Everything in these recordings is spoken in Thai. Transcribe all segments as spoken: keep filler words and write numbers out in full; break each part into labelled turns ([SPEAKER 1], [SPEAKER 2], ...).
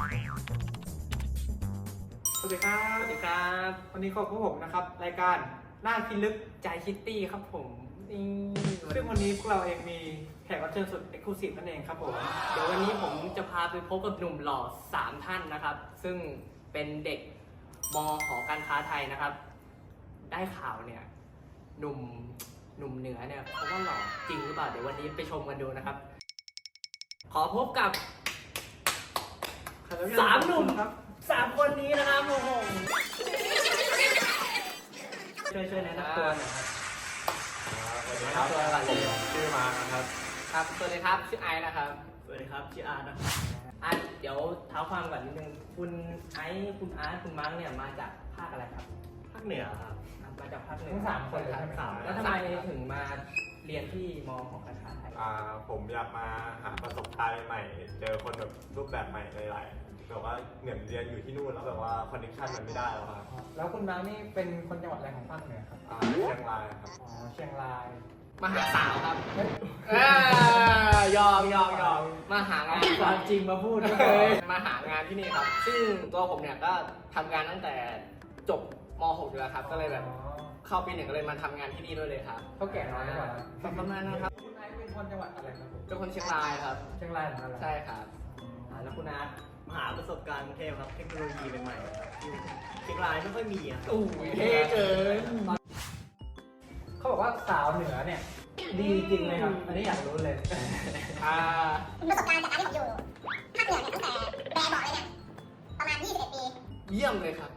[SPEAKER 1] สวัสดีครับ
[SPEAKER 2] สวัสดีครับ
[SPEAKER 1] วันนี้ก็พบผมนะครับรายการหน้าคิดลึก
[SPEAKER 2] ใจคิตตี้ครับผมนี่
[SPEAKER 1] ซึ่งวันนี้พวกเราเองมีแขกรับเชิญสุดเอ็กซ์คลูซีฟนั่นเองครับผม
[SPEAKER 2] เดี๋ยววันนี้ผมจะพาไปพบกับหนุ่มหล่อสามท่านนะครับ ซึ่งเป็นเด็กมหอการค้าไทยนะครับ ได้ข่าวเนี่ยหนุ่มหนุ่มเหนือเนี่ยเขาว่าหล่อจริงหรือเปล่าเดี๋ยววันนี้ไปชมกันดูนะครับ ขอพบกับสามหนุ่ม
[SPEAKER 1] ครับ
[SPEAKER 2] สามคนนี้นะครับโอ้โหช่วยช่วยแนะนำตัวหน่อยครับ
[SPEAKER 3] สวัสดีครับผมชื่อมาร์คนะครับ
[SPEAKER 2] ครับสวัสดีครับชื่อไอซ์นะครับ
[SPEAKER 3] สวัสดีครับชื่ออาร์ตนะครับ
[SPEAKER 2] อ่ะเดี๋ยวเท้าความก่อนนิดนึงคุณไอซ์คุณอาร์ตคุณมาร์คเนี่ยมาจากภาคอะไรครับ
[SPEAKER 3] ภาคเหนือครับ
[SPEAKER 2] อ่ะมาจากภาคเหนือ
[SPEAKER 1] ทั้งสามคนเลย
[SPEAKER 2] ทั้
[SPEAKER 1] ใช่ไหม
[SPEAKER 2] งสาม
[SPEAKER 1] ครับ
[SPEAKER 2] แล้วทำไมถึงมาเรียนที่มหอการค้าไทย
[SPEAKER 3] อ่าผมอยากมาหาประสบการณ์ใหม่ๆเจอคนแบบรูปแบบใหม่หลายๆแบบว่าเหมือนเรียนอยู่ที่นู่นแล้วแบบว่าคอนเนคชั่นมันไม่ได้แล้วครับ
[SPEAKER 1] แล้วคุณมาร์คนี่เป็นคนจังหวัดอะไรของภาคเหนือครับ
[SPEAKER 3] อ่าเชียงรายครับ
[SPEAKER 1] อ๋อเชียงราย
[SPEAKER 2] มาหาสาวครับ
[SPEAKER 1] เฮ้ย
[SPEAKER 2] เอ้ยยอมยอมยอมมาหางาน
[SPEAKER 1] ความจริงมาพูดก็เลย
[SPEAKER 2] มาหางานที่นี่ครับ ซึ่งตัวผมเนี่ยก็ทำงานตั้งแต่จบม หกอยู่แล้วครับ ก็เลยแบบเข้าปีหนึ่งก็เลยมาทำงานที่นี่ด้วยเลยครับ
[SPEAKER 1] เขาแก่น้อยกว่า
[SPEAKER 2] ประมาณนั้นครับ
[SPEAKER 1] คุณไอซ์เป็นคนจังหวัดอะไรครับผม
[SPEAKER 2] เป็นคนเชียงรายครับ
[SPEAKER 1] เชียงรายเหมือนกันเหรอ
[SPEAKER 2] ใช่ครับอ่าแล้วคุณอาร์ต
[SPEAKER 3] มหาประสบการณ์กรุงเทพครับเทคโนโลยีใหม่ๆอยู่เชียงรายไม่ค่อยมีอ่ะ
[SPEAKER 2] อู้ยเท่เกิน
[SPEAKER 1] เขาบอกว่าสาวเหนือเนี่ยดีจริงไหมครับ อันนี้อยากรู้เลย
[SPEAKER 2] อ่า
[SPEAKER 4] ประสบการณ์จากการที่ผมอยู่ภาคเหนือเนี่ยตั้งแต่แบบเบาะเลยเนี่ยประมาณยี่สิบเอ็ดปี
[SPEAKER 2] เยี่ยมเลยครับ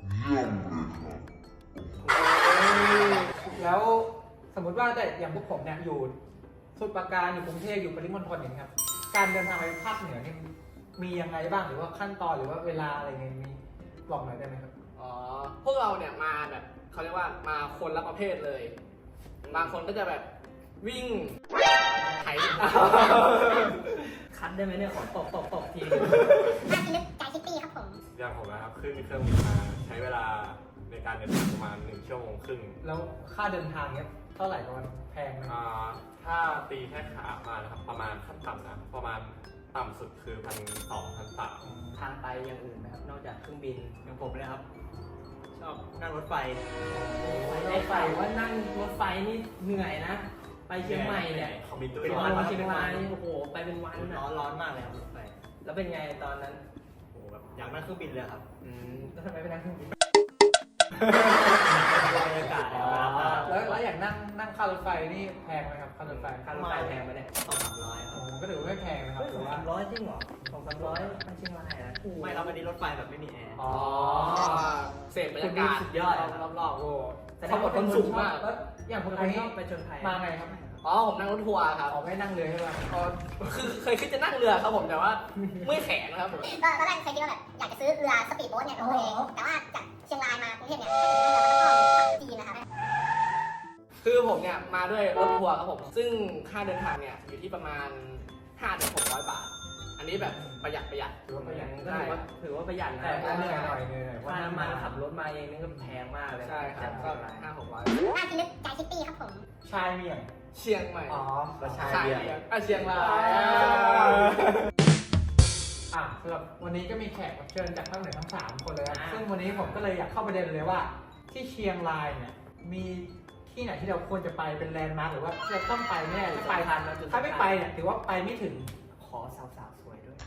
[SPEAKER 1] แล้วสมมติว่าแต่อย่างพวกผมเนี่ยอยู่สมุทรปราการอยู่กรุงเทพอยู่ปริมณฑลอย่างนี้ยครับ การเดินทางไปภาคเหนือเนี่ยมียังไงบ้างหรือว่าขั้นตอนหรือว่าเวลาอะไรเงี้ยมีบอกหน่อยได้ไหมครับ
[SPEAKER 2] อ๋อ พวกเราเนี่ยมาแบบเขาเรียกว่ามาคนละประเภทเลย บางคนก็จะแบบวิ่งไถ คัดได้ไหมเนี่ยขอตบตบตบที
[SPEAKER 4] ภาคที่ลึกใจคิตตี้ครับผม
[SPEAKER 3] อย่างผมนะครับขึ้นเครื่องบินมาใช้เวลาในการเดินทางประมาณหนึ่งชั่วโมงครึ่ง
[SPEAKER 1] แล้วค่าเดินทางเนี่ยเท่าไหร่ประมาณแพงไหม
[SPEAKER 3] อ่าถ้าตีแค่ขามานะครับประมาณขั้นต่ำนะประมาณต่ำสุดคือพันสองพันสาม
[SPEAKER 2] ทางไปอย่างอื่นไหมครับ นอกจากเครื่องบิน
[SPEAKER 3] อย่างผมเลยครับ ชอบนั่งรถไฟ
[SPEAKER 2] ไปได้ไปว่านั่งรถไฟนี่เหนื่อยนะ ไปเชียงใหม่เนี่ย
[SPEAKER 3] เขามีตู้
[SPEAKER 2] เป็น
[SPEAKER 3] ร้
[SPEAKER 2] วั
[SPEAKER 3] อน น
[SPEAKER 2] เชียงรายโอ้โห ไปเป็นวัน
[SPEAKER 3] ร้
[SPEAKER 2] นะ
[SPEAKER 3] อนร้อนมากเลยครับรถไฟ
[SPEAKER 2] แล้วเป็นไงตอนนั้น
[SPEAKER 3] โอ้โหแบบอยากนั่งเครื่องบินเลยครับ
[SPEAKER 2] อืมแล้วทำไมไปนั่งเครื่องบิน
[SPEAKER 3] บรรยากาศ
[SPEAKER 2] อ๋อ
[SPEAKER 1] แล้วแล้วอย่างนั่งนั่งค่ารถไฟนี่แพงไหมครับค่ารถไฟ
[SPEAKER 2] ค่ารถไฟแพงไหมเนี่ย
[SPEAKER 3] สองสามร้อยค
[SPEAKER 1] โอ้
[SPEAKER 3] รับ
[SPEAKER 1] โหก็ถือว่าไม่แพงนะครับ
[SPEAKER 2] เฮ้ยส
[SPEAKER 1] ถื
[SPEAKER 2] อง
[SPEAKER 1] อว่า
[SPEAKER 2] สามร้อยจริงเหรอสองสามร้อยไปเชียงรายนะ
[SPEAKER 3] ไม่ครับอันนี้รถไฟแบบไม่มีแอร์
[SPEAKER 1] อ๋อ
[SPEAKER 2] เสพบรรยากาศ
[SPEAKER 1] สุดยอด
[SPEAKER 2] รอบๆ
[SPEAKER 1] โอ้
[SPEAKER 2] แต่เขาบอกคนสูงมาก
[SPEAKER 1] แล้วอย่างคน
[SPEAKER 2] คน
[SPEAKER 1] นี้
[SPEAKER 2] ชอบไปชนไทย
[SPEAKER 1] มาไงครับ
[SPEAKER 2] อ๋อผมนั่งรถทัวร์ครับ
[SPEAKER 1] ขอไม่นั่งเรือใช่ไหม
[SPEAKER 2] อ๋อคือเคยคิดจะนั่งเรือครับผมแต่ว่าเมื่อยแขนครับผม
[SPEAKER 4] ก็ตอนแรกเคยคิดว่าแบบอยากจะซื้อเรือสปีดโบ๊ทเนี่ยของตัวเองแต่ว่าจากเชียงรายมากรุงเทพเนี่ยถ้าเกิดนั่งเรือมันต้องเข้าจีนนะครับ
[SPEAKER 2] คือผมเนี่ยมาด้วยรถทัวร์ครับผม ซึ่งค่าเดินทางเนี่ยอยู่ที่ประมาณห้าถึงหกร้อยบาท อันนี้แบบประหยัดประหยัด
[SPEAKER 1] ถือว่าประหยัด
[SPEAKER 2] ก็ถือว่าถือว่าประหยัดนะ
[SPEAKER 1] แต่ก็เหนื่อยหน่อยเหนื่อยหน่อย
[SPEAKER 2] ค่าน้ำมันขับรถมาเองนี่ก็แพงมากเลย ใช่ครับก็ห้าหกร้อย
[SPEAKER 4] ภาคที่ลึกใจคิตตี้ครับผม
[SPEAKER 1] ชายเมียง
[SPEAKER 2] เชียงใหม่
[SPEAKER 1] อ๋อ
[SPEAKER 3] ก็ใช่
[SPEAKER 2] ใช่อ่ะเชียงราย
[SPEAKER 1] อ่ะสำหรับวันนี้ก็มีแขกรับเชิญจากภาคเหนือทั้งสามคนเลยครับ
[SPEAKER 2] อ่า
[SPEAKER 1] ซึ่งวันนี้ผมก็เลยอยากเข้าประเด็นเลยว่า ที่เชียงรายเนี่ยมีที่ไหนที่เราควรจะไปเป็นแลนด์มาร์คหรือว่าเราต้องไปแน่หรือไปทันนะถ้าไม่ไปเนี่ยถือว่าไปไม่ถึง
[SPEAKER 2] ขอสาวๆสวยด้วย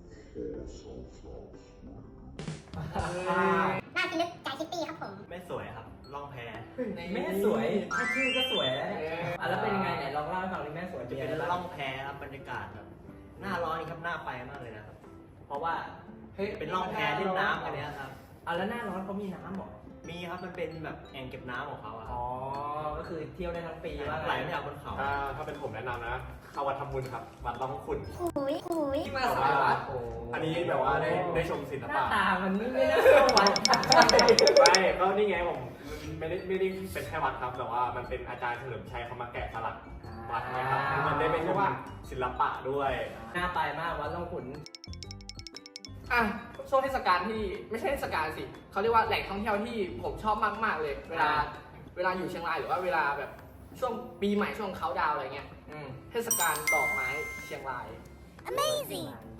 [SPEAKER 1] อ่า
[SPEAKER 4] ภาคที่ลึกใจคิตตี้ครับผม
[SPEAKER 3] ไม่สวยครับล่องแพ
[SPEAKER 2] แม่สวยแค่ชื่อก็สวยแล้วเนี่ยอ่ะแล้วเป็นยังไงไหนลองเล่าให้ฟังดิแม่สวย
[SPEAKER 3] จะ
[SPEAKER 2] เป็น
[SPEAKER 3] เป็น
[SPEAKER 2] ยังไง
[SPEAKER 3] ล่
[SPEAKER 2] บ้า
[SPEAKER 3] อง งแพครับบรรยากาศแบบหน้าร้อนนี่ครับหน้าไปมากเลยนะครับ
[SPEAKER 2] เพราะว่า
[SPEAKER 1] เฮ้ย
[SPEAKER 3] เป็นล่องแพเล่นน้ำกันเนี้ยครับ
[SPEAKER 2] อ่ะแล้วหน้าร้อนเขามีน้ำเหรอ
[SPEAKER 3] มีครับมันเป็นแบบแอ่งเก็บน้ำของเขาอะค
[SPEAKER 2] อ๋
[SPEAKER 3] รั
[SPEAKER 2] อบ ก็คือเที่ยวได้ทั้งปีว่า
[SPEAKER 3] ไหลไม่จากบนเขาถ้าถ้าเป็นผมแนะนำนะเข้าวัดทำบุญครับวัดร่องขุ่น
[SPEAKER 4] หุยหุย
[SPEAKER 2] ที่มาสายวัด
[SPEAKER 1] โอ้
[SPEAKER 3] อันนี้แบบว่าได้ได้ชมศิล
[SPEAKER 2] หน้า
[SPEAKER 3] ปะ
[SPEAKER 2] ตามันไม่น่าเข้าวัด
[SPEAKER 3] ไม่ก็นี่ไงผมไม่ได้ไม่ได้เป็นแค่วัดครับแต่ว่ามันเป็นอาจารย์เฉลิมชัยเขามาแกะสลักวัดนะครับมันได้เป็นว่าศิลปะด้วย
[SPEAKER 2] น่าไปมากวัดล่องขุนอ่ะช่วงเทศกาลที่ไม่ใช่เทศกาลสิเขาเรียกว่าแหล่งท่องเที่ยวที่ผมชอบมากๆเลย เวลาเวลาอยู่เชียงรายหรือว่าเวลาแบบช่วงปีใหม่ช่วงเขาดาวน์อะไรเงี้ย
[SPEAKER 1] อืม
[SPEAKER 2] เทศกาลดอกไม้เชียงราย
[SPEAKER 4] Amazing
[SPEAKER 2] ใช่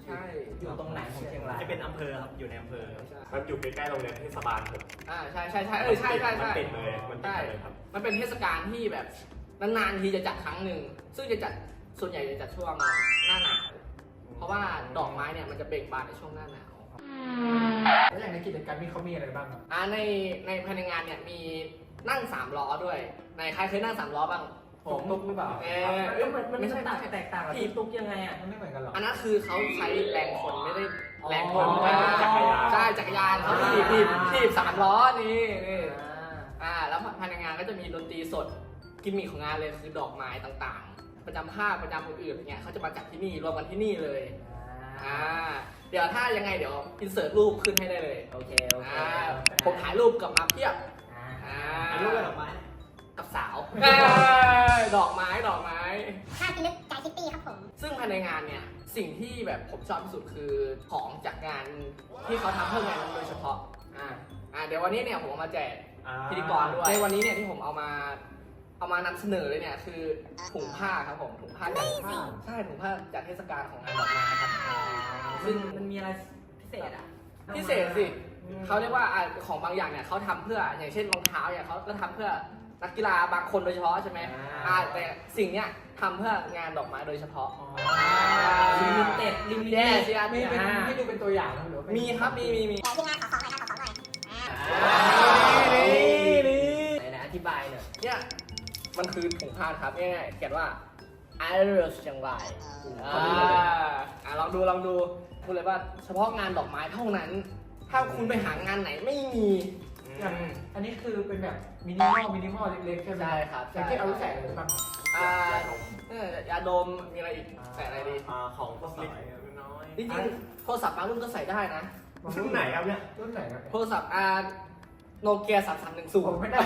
[SPEAKER 2] ใช่
[SPEAKER 5] อยู่ตรงไหนของเชียงราย
[SPEAKER 6] จะเป็นอำเภอครับ อยู่ในอำเภอ
[SPEAKER 3] มันอยู่ใกล้ๆโรงเรียนเทศบาลผม
[SPEAKER 2] อ่าใช่ใช่ใช่เออใช่ใช่
[SPEAKER 3] มัน
[SPEAKER 2] ใช่
[SPEAKER 3] ติดเลยมันติดเลยครับ
[SPEAKER 2] มันเป็นเทศกาลที่แบบนานๆทีจะจัดครั้งหนึ่งซึ่งจะจัดส่วนใหญ่จะจัดช่วงหน้าหนาวเพราะว่าดอกไม้เนี่ยมันจะเบ่งบานในช่วงหน้าหนาว
[SPEAKER 1] แล้วอย่างในกิจกรรมนี้เขามีอะไรบ้างครับ
[SPEAKER 2] อ่าในในภายในงานเนี่ยมีนั่งสามล้อด้วยในใครเคยนั่งสามล้อบ้าง
[SPEAKER 1] ผมตุ๊กหรือเปล่า
[SPEAKER 2] เอ
[SPEAKER 5] เอ้ยมันมัน
[SPEAKER 2] ไม่ใช่
[SPEAKER 5] ต่างแตกต่างกับที่ตุ๊กยังไงอ่ะ
[SPEAKER 1] มันไม่เหมือนกันหรอ
[SPEAKER 2] อันนั้นคือเขาใช้แรงคนไม่ได้แรงคน
[SPEAKER 1] อ๋อ
[SPEAKER 2] ไม่ได้
[SPEAKER 3] จักรยาน
[SPEAKER 2] ใช่จักรยานเขาถีบถีบถีบสามล้อนี่นี่อ่าแล้วภายในงานก็จะมีดนตรีสดกิมมิคของงานเลยคือดอกไม้ต่างๆ ประจำภาคประจำอื่นๆอย่างเงี้ยเขาจะมาจัดที่นี่รวมกันที่นี่เลยอ่าเดี๋ยวถ้ายังไงเดี๋ยวอินเสิร์ตรูปขึ้นให้ได้เลย
[SPEAKER 5] โอเคโอเค
[SPEAKER 2] อ่าผมถ่ายรูปกลับมาเพียบ
[SPEAKER 5] อ่า
[SPEAKER 2] อ่า
[SPEAKER 6] อันรูปอะไรดอกไม้
[SPEAKER 2] กับสาวเอ้ยดอกไม้ดอกไม้
[SPEAKER 4] ถ้าพิลึกใจคิตตี้ครับผม
[SPEAKER 2] ซึ่งภายในงานเนี่ยสิ่งที่แบบผมชอบที่สุดคือของจากงานที่เขาทำเพื่องานนั้นโดยเฉพาะอ่าอ่าเดี๋ยววันนี้เนี่ยผมเอามาแจกพิธีกรด้วยในวันนี้เนี่ยที่ผมเอามาเอามานำเสนอเลยเนี่ยคือถุงผ้าครับผมถุงผ้าจากผ้าใช่ถุงผ้าจากเทศกาลของงานดอกไม้ครับ
[SPEAKER 5] ซึ่งมันมีอะไรพิเศษอ่ะ
[SPEAKER 2] พิเศษสิเขาเรียกว่าอ่ะของบางอย่างเนี่ยเขาทำเพื่ออย่างเช่นรองเท้าเนี่ยเขาก็ทำเพื่อนักกีฬาบางคนโดยเฉพาะใช่ไหมอ่าแต่สิ่งเนี้ยทำเพื่องานดอกไม้โดยเฉพาะ
[SPEAKER 5] ลิมิเต็ดลิมิ
[SPEAKER 2] แย่
[SPEAKER 5] เต็ด
[SPEAKER 2] สิอา
[SPEAKER 1] มี
[SPEAKER 2] มี
[SPEAKER 1] เป็น
[SPEAKER 5] อ่า
[SPEAKER 1] ให้ดูเป็นตัวอย่างนะหรือว่าเป็น
[SPEAKER 2] มีครับมีมีมี
[SPEAKER 4] แต่ที่งานขอของหน่อยครับขอของหน่อยอ่า
[SPEAKER 2] นี่นี่
[SPEAKER 5] ไหนๆอธิบายหน่อย
[SPEAKER 2] เนี่ยมันคือถุงผ้าครับง่ายๆเขียนว่า I love เชียงรายอ่าอ่ะลองดูลองดูพูดเลยว่าเฉพาะงานดอกไม้เท่านั้น ถ้าคุณไปหางานไหนไม่มี
[SPEAKER 1] อย่างอันนี้คือเป็นแบบมินิมอลมินิมอลเล็กๆใช่ไหม
[SPEAKER 2] ใช่ครับ
[SPEAKER 1] อย่างที่เอาไว้ใส่อะไรบ้าง
[SPEAKER 2] อ่าเออยาดมมีอะไรอีกใส่อะไรดี
[SPEAKER 3] อ่าของพวกเล็กน้อย
[SPEAKER 2] จริงๆโทรศัพท์บางรุ่นก็ใส่ได้นะ
[SPEAKER 3] รุ่นไหนครับเนี่ย
[SPEAKER 1] รุ่นไหนครับ
[SPEAKER 2] โทรศัพท์อ่าโนเกียสามสามหนึ่งศู
[SPEAKER 1] ผ
[SPEAKER 2] น
[SPEAKER 1] ม
[SPEAKER 2] ย์
[SPEAKER 1] ไม่ได้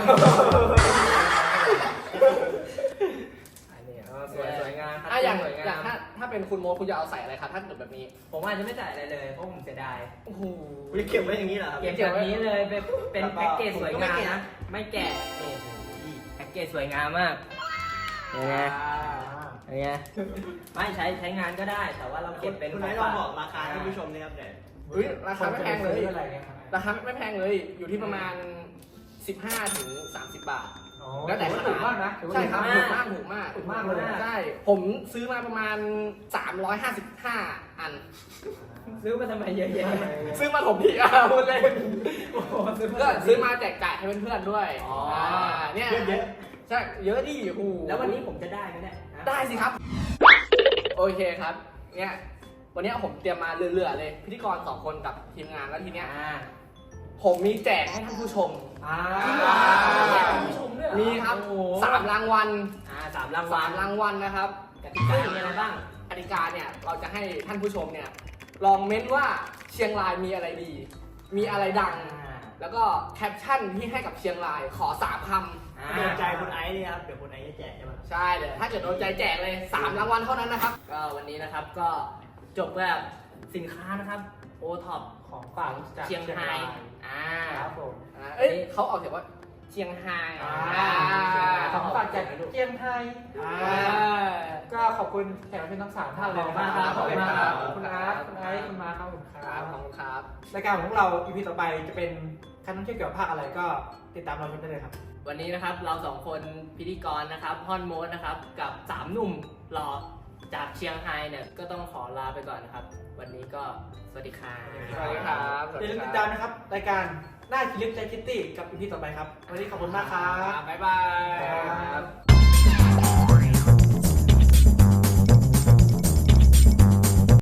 [SPEAKER 5] อันนี้เออสวยสวยงามครับ
[SPEAKER 2] อ่ะอย่าง
[SPEAKER 5] สวย
[SPEAKER 2] อย่าง
[SPEAKER 5] งาม
[SPEAKER 2] ถ้าถ้าเป็นคุณโมคุณจะเอาใส่อะไรครับถ้าเกิดแบบนี้
[SPEAKER 5] ผมอาจจะไม่จ่ายอะไรเลยเพราะผมเสียดาย
[SPEAKER 2] โอ้โห
[SPEAKER 6] วิเก็บไว้อย่างนี้เหรอครับ
[SPEAKER 5] เก็บแบบนี้เลยเป็นเป็นแพ็กเกจสวยงามนะ ไม่แกะนี่แพ็กเกจสวยงามมากเห็นไหมเห็นไหมไม่ใช้ใช้งานก็ได้ แต่ว่าเราเก็บเป็น
[SPEAKER 6] คุณ
[SPEAKER 5] ข
[SPEAKER 6] ไน
[SPEAKER 5] อง
[SPEAKER 6] ท์ลอง
[SPEAKER 5] ฝาก
[SPEAKER 6] บอกราคาให้ผู้ชมเนี่ยครับเนี่ย
[SPEAKER 2] เฮ้ยราคาไม่แพงเลย
[SPEAKER 1] อะไรเงี้ยครับ
[SPEAKER 2] ราคาไม่แพงเลยอยู่ที่ประมาณ สิบห้าถึงสามสิบบาท
[SPEAKER 1] อ๋อ
[SPEAKER 2] แล้วแต่
[SPEAKER 1] ถือว่าถูกมากนะถือว่า
[SPEAKER 2] ใช่ครับ
[SPEAKER 1] ถู
[SPEAKER 2] ถู
[SPEAKER 1] ก
[SPEAKER 2] ก
[SPEAKER 1] มาม
[SPEAKER 2] าก กถูกมาก
[SPEAKER 1] ถูกมากเลย
[SPEAKER 2] ใช่ผมซื้อมาประมาณสามร้อยห้าสิบห้าอัน
[SPEAKER 5] ซื้อมาทำไมเยอะแยะ
[SPEAKER 2] ซื้อมาผมพี่อ่ะพูดเล่น
[SPEAKER 1] โอ้โหซื้อ
[SPEAKER 2] ก็ซื้อมาแจกจ่ายให้เพื่อนๆด้วย
[SPEAKER 5] อ๋ออ่
[SPEAKER 2] าเนี่ย
[SPEAKER 6] เยอะ
[SPEAKER 2] ใช่เยอะดิโอ้โห
[SPEAKER 5] แล้ววันนี้ผมจะได้ไหมเนี่ย
[SPEAKER 2] ได้สิครับ โอเคครับ เนี่ย วันนี้ผมเตรียมมาเรื่อยๆเลย พิธีกรสองคนกับทีมงานแล้วทีเนี้ย
[SPEAKER 5] อ่า
[SPEAKER 2] ผมมีแจกให้ท่านผู้ชม
[SPEAKER 1] อ่า
[SPEAKER 5] แจกผู้ชมด้วยเหรอ
[SPEAKER 2] มีครับ
[SPEAKER 5] โอ้โห
[SPEAKER 2] สามรางวัล
[SPEAKER 5] อ่าสามรางวั
[SPEAKER 2] สา
[SPEAKER 5] ล
[SPEAKER 2] มรางวัลนะครับ
[SPEAKER 5] กติกามีอะไรบ้าง
[SPEAKER 2] กติกาเนี่ยเราจะให้ท่านผู้ชมเนี่ยลองเม้นว่าเชียงรายมีอะไรดี มีอะไรดัง แล้วก็แคปชั่นที่ให้กับเชียงรายขอสามค
[SPEAKER 5] อ่า
[SPEAKER 6] ๆโดนใจคุณไอซ์นี่ครับ เดี๋ยวคุณไอซ์จะแจกใช่ไหม
[SPEAKER 2] ำใช่เดี๋ยวถ้าเกิดโดนใจแจกเลยสามรางวัลเท่านั้นนะครับ
[SPEAKER 5] ก็วันนี้นะครับก็จบแบบสินค้านะครับโอท็อป
[SPEAKER 1] ของฝากจาก
[SPEAKER 5] เชียงรายอ่า
[SPEAKER 1] ครับผม
[SPEAKER 2] อ่าเอ้ยเขาออกเสียงว่าเชียงไฮ้
[SPEAKER 1] อ่า
[SPEAKER 2] อ่า
[SPEAKER 1] ของฝากจากเชียงไฮ้
[SPEAKER 2] อ่า
[SPEAKER 1] ก็ขอบคุณแขกรับเชิญทั้งสามท่านเลยนะ
[SPEAKER 5] ขอบคุณมากครับ
[SPEAKER 1] ขอบคุณอาร์ตคุณไอซ์คุณมาร์คครับผมค
[SPEAKER 2] ค
[SPEAKER 1] รั
[SPEAKER 2] รับบ ขอบคุณครับ
[SPEAKER 1] รายการของพวกเรา อี พี ต่อไปจะเป็นการท่องเที่ยวเกี่ยวกับภาคอะไรก็ติดตามเราชมได้เลยครับ
[SPEAKER 5] วันนี้นะครับเราสองคนพิธีกรนะครับฮอนโมดนะครับกับสามหนุ่มหล่อจากเชียงไฮ้เนี่ยก็ต้องขอลาไปก่อนนะครับ วันนี้ก็สวัสดีครับ
[SPEAKER 2] สวัสดีครับ
[SPEAKER 1] อย่าลืมติดตามนะครับ รายการหน้าคิดลึกใจคิตตี้กับ อี พี ต่อไปครับ วันนี้ขอบคุณมากครับ
[SPEAKER 2] บ๊ายบาย
[SPEAKER 1] ครับ